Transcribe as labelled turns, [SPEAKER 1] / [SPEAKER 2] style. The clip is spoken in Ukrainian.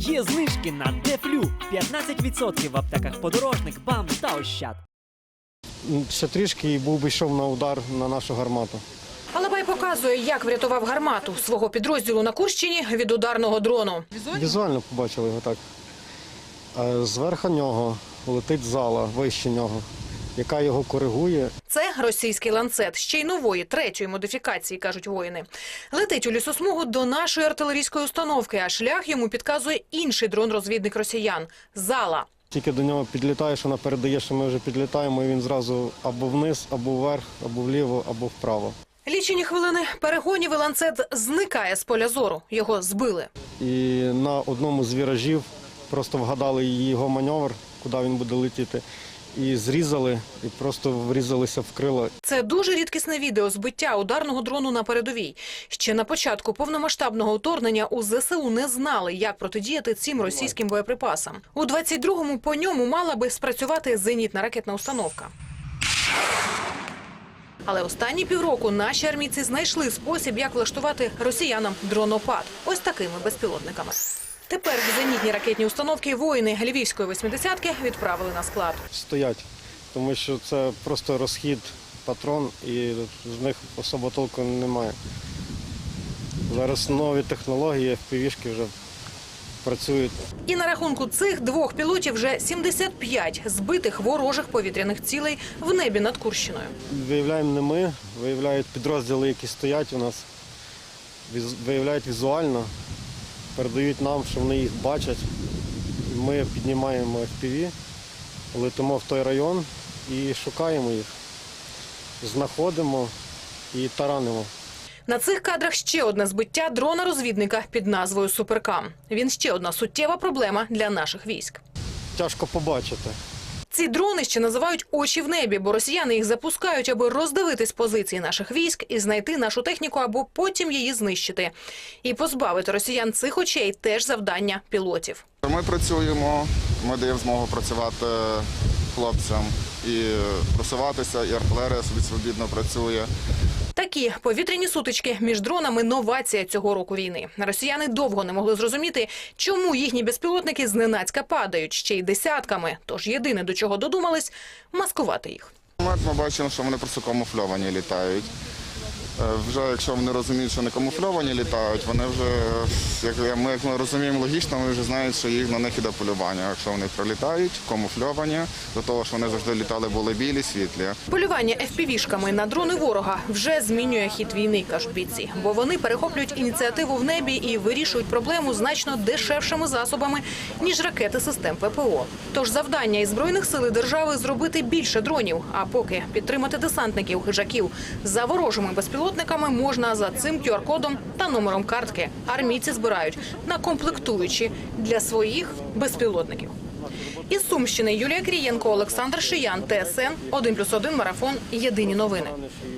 [SPEAKER 1] Є знижки на Дефлю. 15% в аптеках Подорожник, БАМ та Ощад.
[SPEAKER 2] Ще трішки і був би йшов на удар на нашу гармату.
[SPEAKER 3] Алабай показує, як врятував гармату свого підрозділу на Курщині від ударного дрону.
[SPEAKER 2] Візуально побачили його так. Зверху нього летить зала, вище нього, яка його коригує.
[SPEAKER 3] Це російський ланцет, ще й нової, третьої модифікації, кажуть воїни. Летить у лісосмугу до нашої артилерійської установки, а шлях йому підказує інший дрон-розвідник росіян – «Зала».
[SPEAKER 2] Тільки до нього підлітаєш, вона передає, що ми вже підлітаємо, і він зразу або вниз, або вверх, або вліво, або вправо.
[SPEAKER 3] Лічені хвилини перегонів і ланцет зникає з поля зору. Його збили.
[SPEAKER 2] І на одному з віражів просто вгадали його маневр, куди він буде летіти, і зрізали, і просто врізалися в крила.
[SPEAKER 3] Це дуже рідкісне відео збиття ударного дрону на передовій. Ще на початку повномасштабного вторгнення у ЗСУ не знали, як протидіяти цим російським боєприпасам. У 22-му по ньому мала би спрацювати зенітна ракетна установка. Але останні півроку наші армійці знайшли спосіб, як влаштувати росіянам дронопад. Ось такими безпілотниками. Тепер зенітні ракетні установки воїни Львівської 80-ки відправили на склад.
[SPEAKER 2] Стоять, тому що це просто розхід патрон, і з них особо толку немає. Зараз нові технології, FPV-шки вже працюють.
[SPEAKER 3] І на рахунку цих двох пілотів вже 75 збитих ворожих повітряних цілей в небі над Курщиною.
[SPEAKER 2] Виявляємо не ми, виявляють підрозділи, які стоять у нас, виявляють візуально, передають нам, що вони їх бачать. Ми піднімаємо FPV, летимо в той район і шукаємо їх, знаходимо і таранимо.
[SPEAKER 3] На цих кадрах ще одне збиття дрона-розвідника під назвою «Суперкам». Він ще одна суттєва проблема для наших військ.
[SPEAKER 2] Тяжко побачити.
[SPEAKER 3] Ці дрони ще називають «очі в небі», бо росіяни їх запускають, аби роздивитись позиції наших військ і знайти нашу техніку, або потім її знищити. І позбавити росіян цих очей – теж завдання пілотів.
[SPEAKER 4] Ми працюємо, ми даємо змогу працювати хлопцям і просуватися, і артилерія собі свобідно працює.
[SPEAKER 3] Такі повітряні сутички між дронами – новація цього року війни. Росіяни довго не могли зрозуміти, чому їхні безпілотники зненацька падають, ще й десятками. Тож єдине, до чого додумались – маскувати їх.
[SPEAKER 4] Ми бачимо, що вони просто камуфльовані літають. Вже якщо вони розуміють, що не камуфльовані літають, вони вже, як ми розуміємо логічно, ми вже знаємо, що на них іде полювання. Якщо вони прилітають, камуфльовані, до того, що вони завжди літали, були білі, світлі.
[SPEAKER 3] Полювання FPV-шками на дрони ворога вже змінює хід війни, кажуть бійці. Бо вони перехоплюють ініціативу в небі і вирішують проблему значно дешевшими засобами, ніж ракети систем ППО. Тож завдання і Збройних сил держави – зробити більше дронів, а поки підтримати десантників, хижаків за ворожими безпілотниками можна за цим QR-кодом та номером картки. Армійці збирають на комплектуючі для своїх безпілотників. Із Сумщини Юлія Крієнко, Олександр Шиян, ТСН 1+1 Марафон. Єдині новини.